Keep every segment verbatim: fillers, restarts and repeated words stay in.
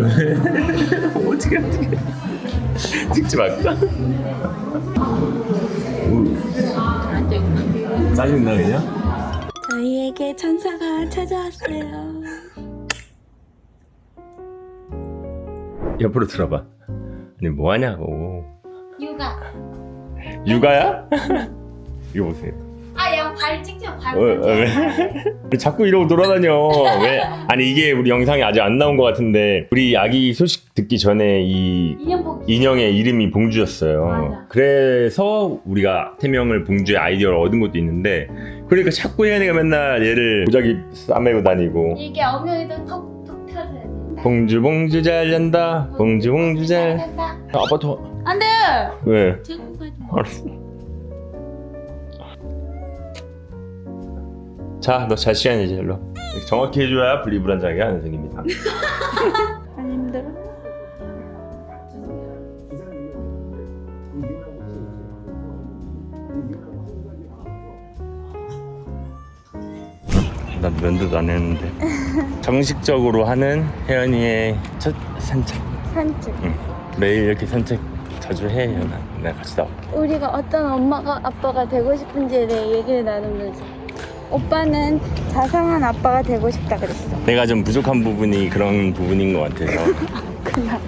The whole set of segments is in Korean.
어떻게 어떻게 찍지 말까? 짜증나 그냥? 저희에게 천사가 찾아왔어요. 옆으로 들어봐. 아니 뭐 하냐고. 육아. 육아야? 이거 보세요. 아, 야, 발 찍죠, 발. 어, 어, 왜? 자꾸 이러고 돌아다녀. 왜? 아니 이게 우리 영상이 아직 안 나온 것 같은데 우리 아기 소식 듣기 전에 이 인형 인형의 이름이 봉주였어요. 맞아. 그래서 우리가 태명을 봉주의 아이디어를 얻은 것도 있는데 그러니까 자꾸 혜연이가 맨날 얘를 보자기 싸매고 다니고 이게 엉덩이도 톡톡 펴줘야 돼. 봉주 봉주 잘 잔다. 봉주 봉주 잘. 된다. 아빠 더. 안 돼. 왜? 들고 가지. 알았어. 자, 너 잘 시간이지, 일로. 정확히 해줘야 분리불안장애가 안 생깁니다. 안 힘들어? 난 면도도 안 했는데. 정식적으로 하는 혜연이의 첫 산책. 산책. 응. 매일 이렇게 산책 자주 해, 혜연아. 내가 같이 나올게. 우리가 어떤 엄마가 아빠가 되고 싶은지에 대해 얘기를 나누면서 오빠는 자상한 아빠가 되고 싶다 그랬어. 내가 좀 부족한 부분이 그런 부분인 것 같아서. 그냥.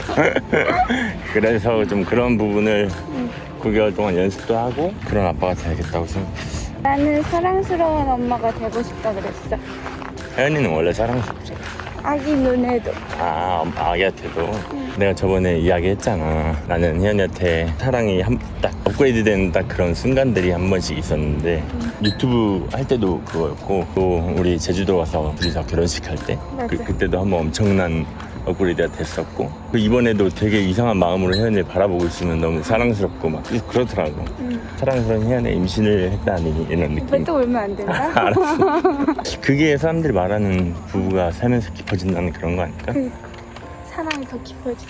그래서 좀 그런 부분을 구 개월 동안 연습도 하고 그런 아빠가 돼야겠다고 생각했어. 나는 사랑스러운 엄마가 되고 싶다 그랬어. 혜연이는 원래 사랑스럽잖아. 아기 눈에도. 아, 엄- 아기한테도 내가 저번에 이야기했잖아. 나는 혜연이한테 사랑이 한, 딱 업그레이드된 딱 그런 순간들이 한 번씩 있었는데 유튜브 할 때도 그거였고 또 우리 제주도 가서 둘이서 결혼식 할 때 그, 맞아. 그때도 한번 엄청난 업그레이드가 됐었고 그 이번에도 되게 이상한 마음으로 혜연이를 바라보고 있으면 너무 사랑스럽고 막 그렇더라고. 응. 사랑스러운 혜연이 임신을 했다니 이런 오빠 느낌. 또 울면 안 된다? 알았어. 그게 사람들이 말하는 부부가 살면서 깊어진다는 그런 거 아닐까? 그러니까 사랑이 더 깊어져.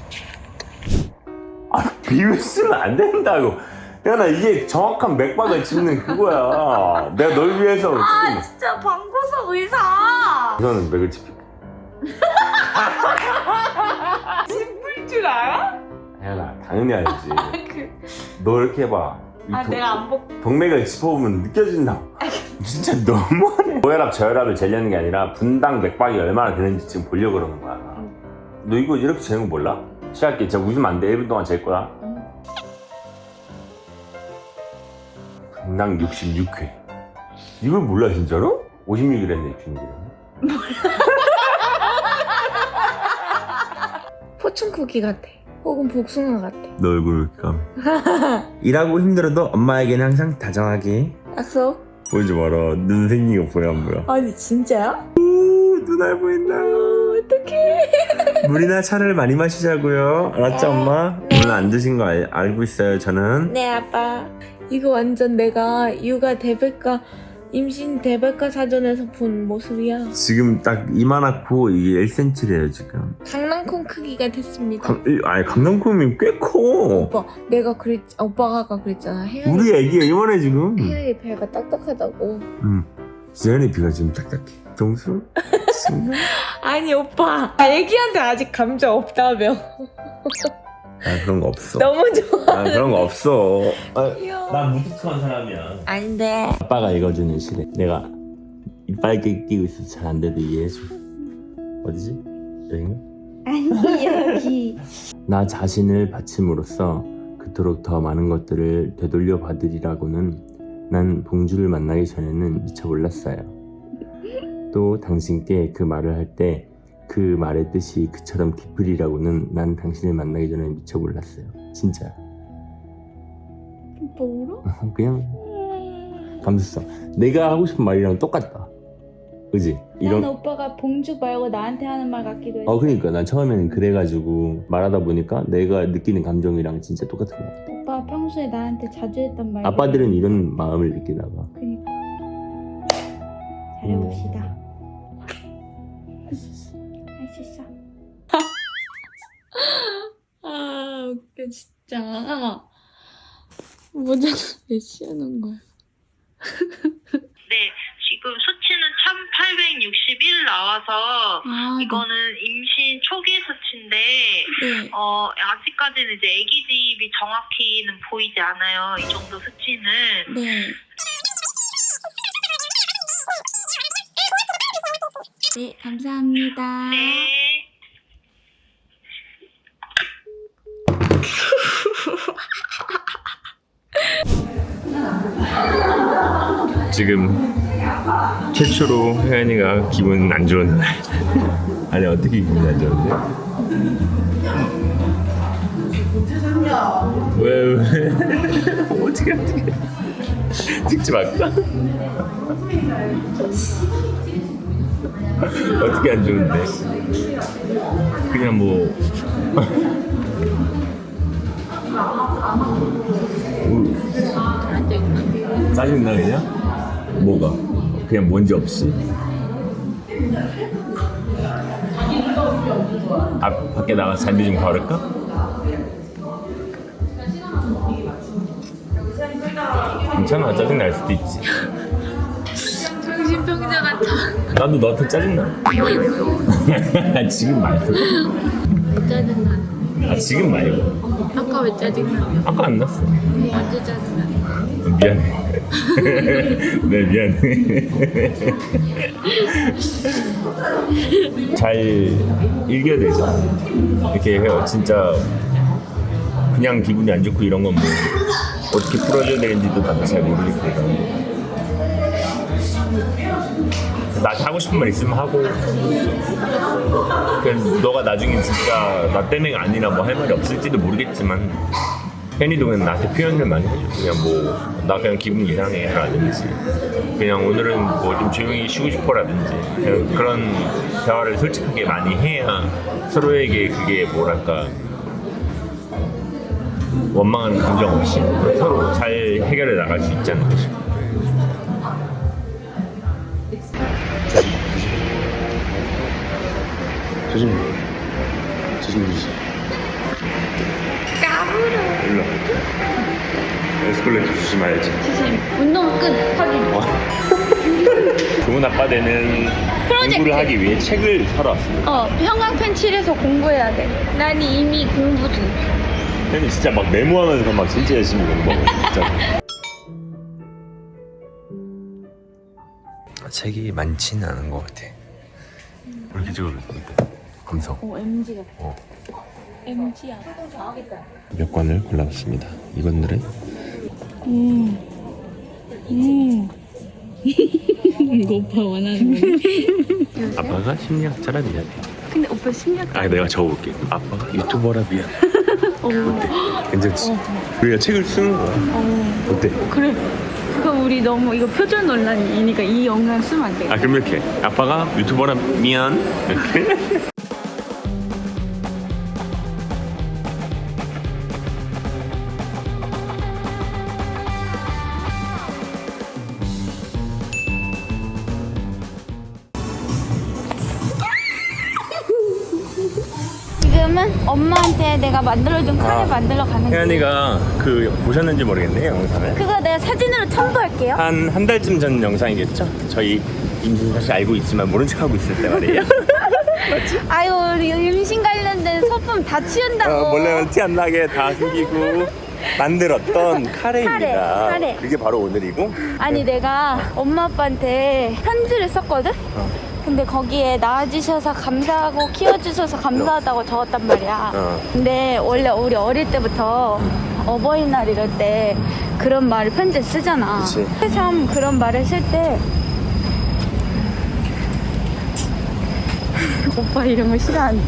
아, 비웃으면 안 된다고. 야, 나 이게 정확한 맥박을 짚는 그거야. 내가 널 위해서 아 지금. 진짜 방구석 의사. 이거는 맥을 짚힐. 짚을 줄 알아? 야, 나 당연히 알지. 그... 너 이렇게 해봐. 이 아 동- 내가 안 복. 동맥을 짚어보면 느껴진다. 진짜 너무하네. 고혈압, 저혈압을 재려는 게 아니라 분당 맥박이 얼마나 되는지 지금 보려고 그러는 거야. 너 이거 이렇게 재는 거 몰라? 시작할게. 진짜 웃으면 안 돼. 일 분 동안 잴 거야. 분당 육십육 회. 이걸 몰라 진짜로? 오십육 일했네 육십육 일했네. 포춘쿠키 같아. 혹은 복숭아 같아. 너 얼굴 왜 이렇게 까매? 일하고 힘들어도 엄마에게는 항상 다정하게. 약속? 보이지 마라. 눈 생긴 거 보여 안 보여? 아니 진짜야? 오, 눈알 보인다. 어떡해. 물이나 차를 많이 마시자고요. 알았죠 엄마? 오늘 안 드신 거 알, 알고 있어요 저는. 네 아빠. 이거 완전 내가 육아 대백과 임신 대백과 사전에서 본 모습이야. 지금 딱 이만하고 이게 일 센티미터래요 지금. 강낭콩 크기가 됐습니다. 강, 이- 아니 강남콩이 꽤 커. 오빠 내가 그랬 오빠가 아까 그랬잖아. 혜연이 우리 애기가 이만해 지금. 혜연이 배가 딱딱하다고. 응. 지연이 비가 지금 딱딱해. 정수? 친구? 아니 오빠 애기한테 아직 감정 없다며. 아 그런 거 없어. 너무 좋아. 아 그런 거 없어. 아, 귀여워. 난 무뚝뚝한 사람이야. 아닌데. 아빠가 읽어주는 시래. 내가 이빨 끼고 있어서 잘 안 돼도 이해해줘. 어디지? 여긴가? 아니 여기. 나 자신을 바침으로써 그토록 더 많은 것들을 되돌려 받으리라고는 난 봉주를 만나기 전에는 미처 몰랐어요. 또 당신께 그 말을 할 때 그 말의 뜻이 그처럼 깊으리라고는 난 당신을 만나기 전에 미처 몰랐어요. 진짜. 오빠 울어? 그냥 감수성. 내가 하고 싶은 말이랑 똑같다. 그지? 난 오빠가 봉주 말고 나한테 하는 말 같기도 해. 어 그러니까 난 처음에는 그래가지고 말하다 보니까 내가 느끼는 감정이랑 진짜 똑같은 거 같아. 오빠 평소에 나한테 자주 했던 말. 아빠들은 이런 마음을 느끼나 봐. 그니까 잘해봅시다. 할 수 있어. 할 수 있어. 아 웃겨 진짜. 모자 왜 씌우는 거야? 네, 지금 수치는 천팔백육십일 나와서 아, 이거는 임신 초기 수치인데 네. 어 아직까지는 이제 아기 집이 정확히는 보이지 않아요. 이 정도 수치는. 네. 네, 감사합니다. 네. 지금 최초로 혜연이가 기분 안 좋은 날. 아니 어떻게 기분이 안 좋은데? 왜 왜? 어떻게 어떻게? 찍지 말까? 어떻게 안 좋은데? 그냥 뭐 짜증나 그냥? 뭐가? 그냥 뭔지 없이? 아, 밖에 나가서 잔디 좀 걸을까? 괜찮아, 짜증날 수도 있지. 정신병자 같아. 나도 너한테 짜증나. 지금 말고. 왜 짜증나? 아, 지금 말고. 아까 왜 짜증나? 아까 안 났어. 언제 짜증나? 미안해. 네, 미안해. 잘 읽어야 되죠. 이렇게 해요. 진짜 그냥 기분이 안 좋고 이런 건 뭐 어떻게 풀어줘야 되는지도 나도 잘 모르겠고. 나한테 하고 싶은 말 있으면 하고. 그래서 너가 나중에 진짜 나 때문에 아니라 뭐 할 말이 없을지도 모르겠지만 혜니도 그냥 나한테 표현을 많이 해줘. 그냥 뭐 나 그냥 기분 이상해 라든지 그냥 오늘은 뭐 좀 조용히 쉬고 싶어 라든지 그냥 그런 대화를 솔직하게 많이 해야 서로에게 그게 뭐랄까 원망하는 감정 없이 서로 잘 해결해 나갈 수 있지 않을까 싶어. 조심 조심 조심. 까불어. 일로 에스컬레이터 조심해야지. 조심. 운동 끝. 확인. 좋은 아빠 되는 프로젝트. 공부를 하기 위해 책을 사러 왔습니다. 어, 형광펜 칠해서 공부해야 돼. 난 이미 공부 중. 혜니 진짜 막 메모하면서 막 진짜 열심히 공부하고 진짜. 책이 많지는 않은 것 같아. 이렇게 찍어도 돼. 감성. 오, 엠지 같아. 어. 엠지야. 몇 권을 골라봤습니다. 이번들은 음. 음. 이거 오빠 원하는 거네. 아빠가 심리학자라 미안해. 근데 오빠 심리학. 아 내가 적어볼게. 아빠가 유튜버라 미안해. 어. 어때? 괜찮지? 우리가 책을 쓰는 거야. 어. 어때? 그래. 그럼 우리 너무 이거 표절 논란이니까 이 영상 쓰면 안 돼. 아 그럼 이렇게 아빠가 유튜버라 미안 이렇게. 지금은 엄마한테 내가 만들어준 카레 아. 만들러 가는 거. 혜연이가 그 보셨는지 모르겠네 영상을. 그거 내가 사진으로 첨부할게요. 한 한 달쯤 전 영상이겠죠? 저희 임신 사실 알고 있지만 모른 척하고 있을 때 말이에요. 아유 우리 임신 관련된 소품 다 치운다고. 어, 몰래 티 안 나게 다 숨기고 만들었던 카레입니다. 카레, 카레. 그게 바로 오늘이고. 아니 내가 엄마 아빠한테 편지를 썼거든? 어. 근데 거기에 낳아주셔서 감사하고 키워주셔서 감사하다고 적었단 말이야. 어. 근데 원래 우리 어릴 때부터 어버이날 이럴 때 그런 말을 편지에 쓰잖아. 그치. 참 그런 말을 쓸 때 오빠 이런 거 싫어하는데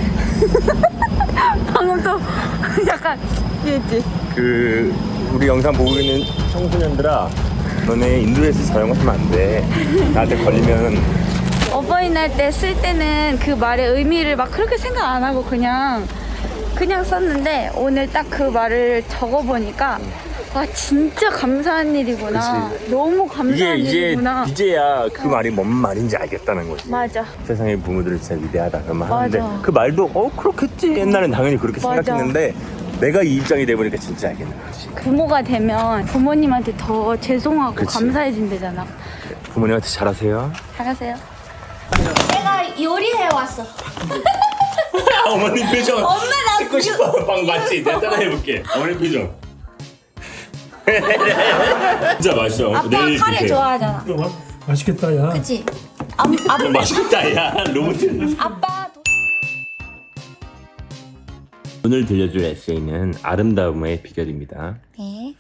방금 또 약간 이랬지. 그 우리 영상 보고 있는 청소년들아, 너네 인도에서 저런 거 하면 안 돼. 나한테 걸리면. 어버이날 때 쓸 때는 그 말의 의미를 막 그렇게 생각 안 하고 그냥 그냥 썼는데 오늘 딱 그 말을 적어보니까 와 진짜 감사한 일이구나. 그치. 너무 이게 감사한 이제 일이구나. 이제야 그 말이 뭔 말인지 알겠다는 거지. 맞아. 세상의 부모들은 진짜 위대하다 그런 말 맞아. 하는데 그 말도 어 그렇겠지. 옛날엔 당연히 그렇게 맞아. 생각했는데 내가 이 입장이 돼보니까 진짜 알겠는 거지. 부모가 되면 부모님한테 더 죄송하고 그치. 감사해진대잖아. 부모님한테 잘하세요. 잘하세요. 내가 요리해 왔어. 어머니 표정. 엄마 나 찍고 싶어. 방 맞지? 내가 따라해볼게. 어머니 표정. 진짜 맛있어. 아빠 내일 카레 드세요. 좋아하잖아. 마, 맛있겠다 야. 그치? 아, 아, 맛있다 야. 로봇. 아빠 도- 오늘 들려줄 에세이는 아름다움의 비결입니다. 네.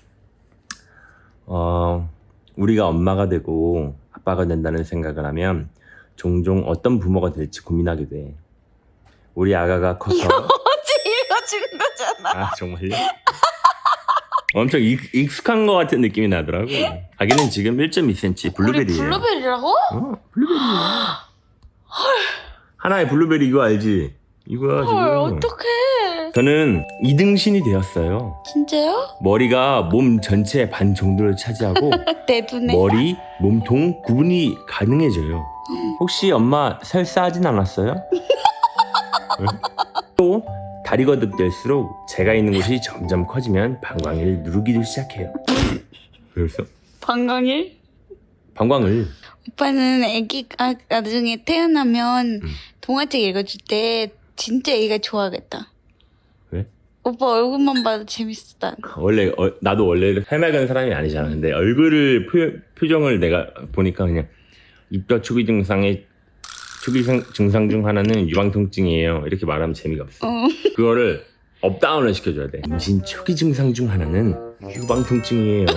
어, 우리가 엄마가 되고 아빠가 된다는 생각을 하면 종종 어떤 부모가 될지 고민하게 돼. 우리 아가가 커서 어제 읽어준 거잖아. 아 정말요? 엄청 익, 익숙한 것 같은 느낌이 나더라고. 아기는 지금 일 점 이 센티미터 블루베리예요. 우리 블루베리라고? 어, 블루베리야. 하나의 블루베리 이거 알지? 이거야 지금. 헐 어떡해. 저는 이등신이 되었어요. 진짜요? 머리가 몸 전체의 반 정도를 차지하고 내 눈에. 머리, 몸통 구분이 가능해져요. 혹시 엄마 설사하진 않았어요? 응? 또 다리 거듭될수록 제가 있는 곳이 점점 커지면 방광을 누르기도 시작해요. 그래서 방광일? 방광을 오빠는 애기가 나중에 태어나면 음. 동화책 읽어줄 때 진짜 애기가 좋아하겠다. 왜? 오빠 얼굴만 봐도 재밌어 난. 원래 어, 나도 원래 해맑은 사람이 아니잖아. 근데 얼굴을 표, 표정을 내가 보니까 그냥 입덧 초기 증상의 초기 생- 증상 중 하나는 유방통증이에요. 이렇게 말하면 재미가 없어. 어. 그거를 업다운을 시켜줘야 돼. 임신 초기 증상 중 하나는 유방통증이에요.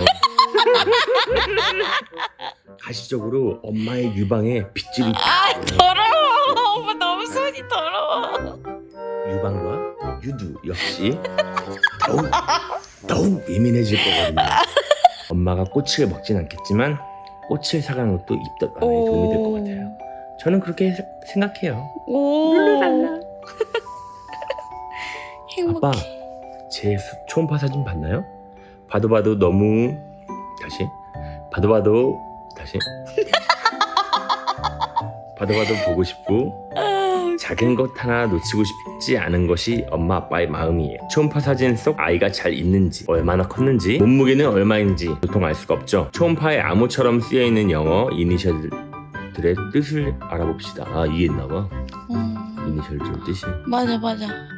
가시적으로 엄마의 유방에 빗줄이 아 더러워. 오빠 너무 손이 더러워. 유방과 유두 역시 더욱 더욱 예민해질 거거든요. 엄마가 꼬치를 먹진 않겠지만 꼬치를 사가는 것도 입덧 완화에 도움이 될 것 같아요. 저는 그렇게 세- 생각해요. 오. 행복해. 아빠, 제 수- 초음파 사진 봤나요? 봐도 봐도 너무 다시 봐도 봐도 다시 봐도 봐도 보고 싶고 작은 것 하나 놓치고 싶지 않은 것이 엄마 아빠의 마음이에요. 초음파 사진 속 아이가 잘 있는지, 얼마나 컸는지, 몸무게는 얼마인지 보통 알 수가 없죠. 초음파에 암호처럼 쓰여있는 영어 이니셜들의 뜻을 알아봅시다. 아 이게 있나봐. 음, 이니셜들 뜻이. 맞아 맞아.